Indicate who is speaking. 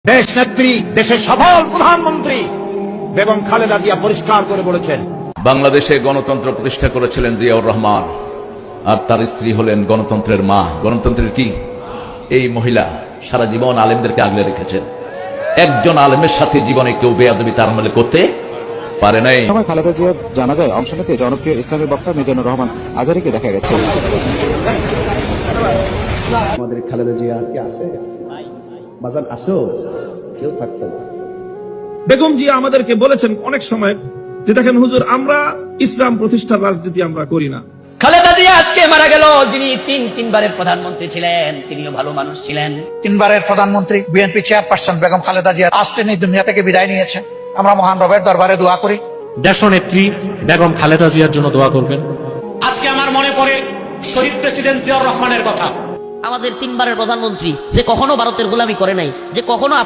Speaker 1: দেশ নেত্রী, দেশের সফল প্রধানমন্ত্রী বেগম খালেদা জিয়া পরিষ্কার করে বলেছেন,
Speaker 2: বাংলাদেশে গণতন্ত্র প্রতিষ্ঠা করেছিলেন জিয়াউর রহমান, আর তার স্ত্রী হলেন গণতন্ত্রের মা। গণতন্ত্রের কি? এই মহিলা সারা জীবন আলেমদেরকে আগলে রেখেছেন। একজন আলেমের সাথে জীবনে কেউ বেয়াদবি তার আমলে করতে পারে নাই।
Speaker 3: সময় খালেদা জিয়ার জানাজায় অংশ নিতে জনপ্রিয় ইসলামী বক্তা মিজানুর রহমান আজহারীকে দেখা গেছে।
Speaker 4: আমাদের খালেদা জিয়া কি আছে? বাজান আছেও, কেউ থাকতো না।
Speaker 5: বেগম জিয়া আমাদেরকে বলেছেন অনেক সময় যে দেখেন হুজুর, আমরা ইসলাম প্রতিষ্ঠার রাজনীতি আমরা করি না।
Speaker 6: খালেদা জিয়া আজকে মারা গেল, যিনি তিনবারের প্রধানমন্ত্রী ছিলেন, তিনিও ভালো মানুষ ছিলেন।
Speaker 7: তিনবারের প্রধানমন্ত্রী বিএনপি চেয়ারপারসন বেগম খালেদা জিয়া আজ তিনি দুনিয়া থেকে বিদায় নিয়েছেন। আমরা মহান রবের দরবারে দোয়া করি
Speaker 8: দেশনেত্রী বেগম খালেদা জিয়ার জন্য দোয়া করবেন।
Speaker 6: আজকে আমার মনে পড়ে শহীদ প্রেসিডেন্ট জিয়াউর রহমানের কথা।
Speaker 9: আমাদের তিনবারের প্রধানমন্ত্রী, যে কখনো ভারতের গোলামি করে নাই, যে কখনো